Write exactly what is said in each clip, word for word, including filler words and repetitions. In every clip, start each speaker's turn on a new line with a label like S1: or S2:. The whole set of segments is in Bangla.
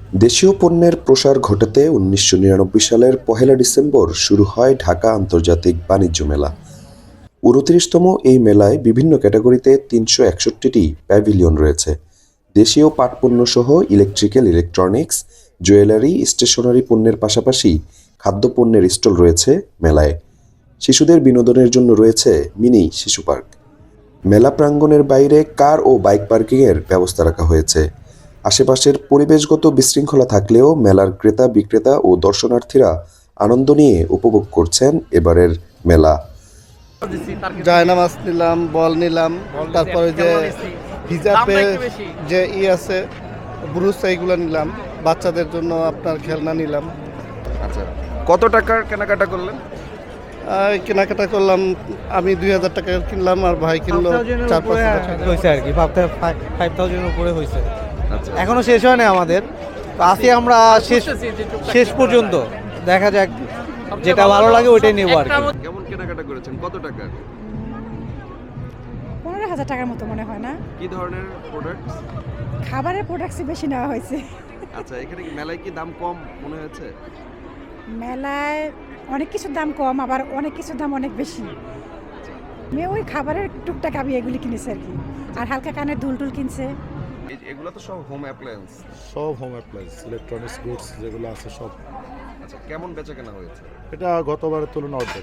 S1: দেশীয় পণ্যের প্রসার ঘটাতে উনিশশো নিরানব্বই সালের পহেলা ডিসেম্বর শুরু হয় ঢাকা আন্তর্জাতিক বাণিজ্য মেলা। উনত্রিশতম এই মেলায় বিভিন্ন ক্যাটাগরিতে তিনশো একষট্টিটি প্যাভিলিয়ন রয়েছে। দেশীয় পাটপণ্য সহ ইলেকট্রিক্যাল, ইলেকট্রনিক্স, জুয়েলারি, স্টেশনারি পণ্যের পাশাপাশি খাদ্যপণ্যের স্টল রয়েছে মেলায়। শিশুদের বিনোদনের জন্য রয়েছে মিনি শিশু পার্ক। মেলা প্রাঙ্গণের বাইরে কার ও বাইক পার্কিংয়ের ব্যবস্থা রাখা হয়েছে। আশেপাশের পরিবেশগত বিশৃঙ্খলা থাকলেও মেলার ক্রেতা বিক্রেতা ও দর্শনার্থীরা আনন্দ নিয়ে উপভোগ করছেন এবারের মেলা।
S2: জায়নামাজ নিলাম, বল নিলাম, তারপরে যে হিজাবে যে ই আছে ব্রুস এইগুলো নিলাম, বাচ্চাদের জন্য আপনার খেলনা নিলাম।
S3: আচ্ছা, কত টাকার কেনাকাটা করলেন?
S2: আর কেনাকাটা করলাম আমি দুই হাজার টাকা কিনলাম, আর ভাই কিনলো চার পাঁচ হাজার টাকা
S4: হয়েছে আর কি। ফাইভ থাউজেন্ডের উপরে হয়েছে।
S3: আচ্ছা,
S4: এখনো শেষ হয় না আমাদের, তো আছি আমরা শেষ শেষ পর্যন্ত। দেখা যাক, যেটা ভালো লাগে ওইটাই নেবো আর কি।
S3: কেমন কেনাকাটা করেছেন? কত টাকা?
S5: পনেরো হাজার টাকার মতো মনে হয় না।
S3: কি ধরনের প্রোডাক্ট?
S5: খাবারের প্রোডাক্টসই বেশি নেওয়া হয়েছে।
S3: আচ্ছা, এখানে কি মেলায় কি দাম কম মনে হয়েছে?
S5: মেলায় অনেক কিছুর দাম কম, আবার অনেক কিছুর দাম অনেক বেশি। মেয়ে ওই খাবারের টুকটাক আমি এগুলি কিনেছে আর কি, আর হালকা কানের দুল টুল কিনছে।
S3: এই- এগুলো তো সব হোম অ্যাপ্লায়েন্স।
S6: সব হোম অ্যাপ্লায়েন্স, ইলেকট্রনিক্স গুডস যেগুলো আছে সব।
S3: আচ্ছা, কেমন বেচা কেনা হয়েছে?
S6: এটা গতবারের তুলনায় অর্ধেক।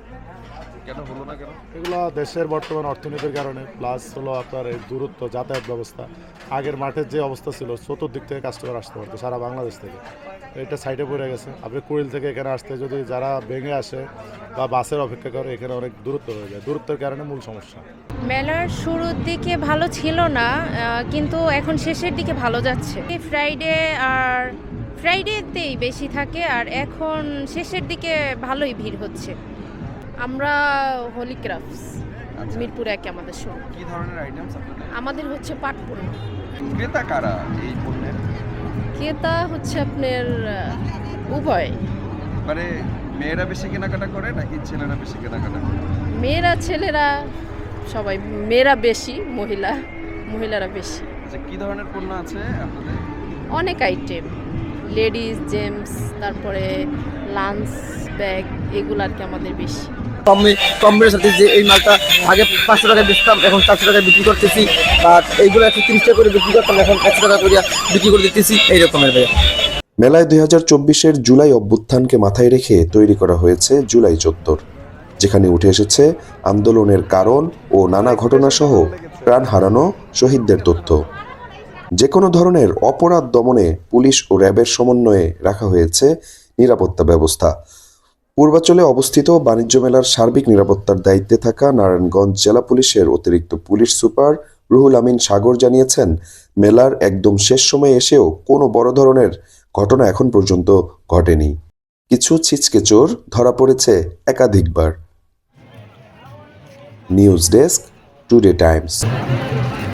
S3: কেন হলো না কেন?
S6: এগুলো দেশের বর্তমান অর্থনীতির কারণে, প্লাস হলো আপনার এই দূরত্ব, যাতায়াত ব্যবস্থা। আগের মাঠের যে অবস্থা ছিল, চতুর্দিক থেকে কাস্টমার আসতে পারতো সারা বাংলাদেশ থেকে, এটা সাইডে পড়ে গেছে। আপনি কুড়িল থেকে এখানে আসতে যদি যারা ভেঙে আসে বা বাসের অপেক্ষা করে, এখানে অনেক দূরত্ব হয়ে যায়। দূরত্বের কারণে মূল সমস্যা।
S7: মেলার শুরুর দিকে ভালো ছিল না, আহ, কিন্তু এখন শেষের দিকে ভালো যাচ্ছে। ফ্রাইডে আর ফ্রাইডেতেই বেশি থাকে, আর এখন শেষের দিকে ভালোই ভিড় হচ্ছে। আমরা হোলি ক্রাফটস, মিরপুর একে আমাদের শুরু।
S3: কি ধরনের আইটেমস আপনাদের?
S7: আমাদের হচ্ছে পাটপণ্য।
S3: ক্রেতা কারা এই পণ্যের?
S7: ক্রেতা হচ্ছে আপনার আহ, উভয়।
S3: মানে মেয়েরা বেশি কেনাকাটা করে নাকি ছেলেরা বেশি কেনাকাটা করে?
S7: মেয়েরা ছেলেরা সবাই, মেয়েরা বেশি, মহিলা মহিলারা বেশি।
S3: আচ্ছা, কি ধরনের পণ্য আছে আপনাদের?
S7: অনেক আইটেম, লেডিস জেমস, তারপরে লাঞ্চ ব্যাগ, এগুলো আর কি আমাদের বেশি।
S8: কম কম বেড়ে সাথে যে এই মালটা আগে পাঁচশো টাকায় বেচতাম, এখন চারশো টাকায় বিক্রি করতেছি। আর এইগুলো একশো তিরিশ টাকা করে বিক্রি করতাম, এখন একশো টাকা করে বিক্রি করে দিতেছি, এই রকমের ভাইয়া।
S1: মেলায় দুই হাজার চব্বিশের জুলাই অভ্যুত্থানকে মাথায় রেখে তৈরি করা হয়েছে জুলাই চত্বর, যেখানে উঠে এসেছে আন্দোলনের কারণ ও নানা ঘটনাসহ প্রাণ হারানো শহীদদের তথ্য। যে কোনো ধরনের অপরাধ দমনে পুলিশ ও র্যাবের সমন্বয়ে রাখা হয়েছে নিরাপত্তা ব্যবস্থা। পূর্বাঞ্চলে অবস্থিত বাণিজ্য মেলার সার্বিক নিরাপত্তার দায়িত্বে থাকা নারায়ণগঞ্জ জেলা পুলিশের অতিরিক্ত পুলিশ সুপার রুহুল আমিন সাগর জানিয়েছেন, মেলার একদম শেষ সময়ে এসেও কোনো বড় ধরনের ঘটনা এখন পর্যন্ত ঘটেনি। কিছু ছিচকে চোর ধরা পড়েছে একাধিকবার। News desk, Today Times.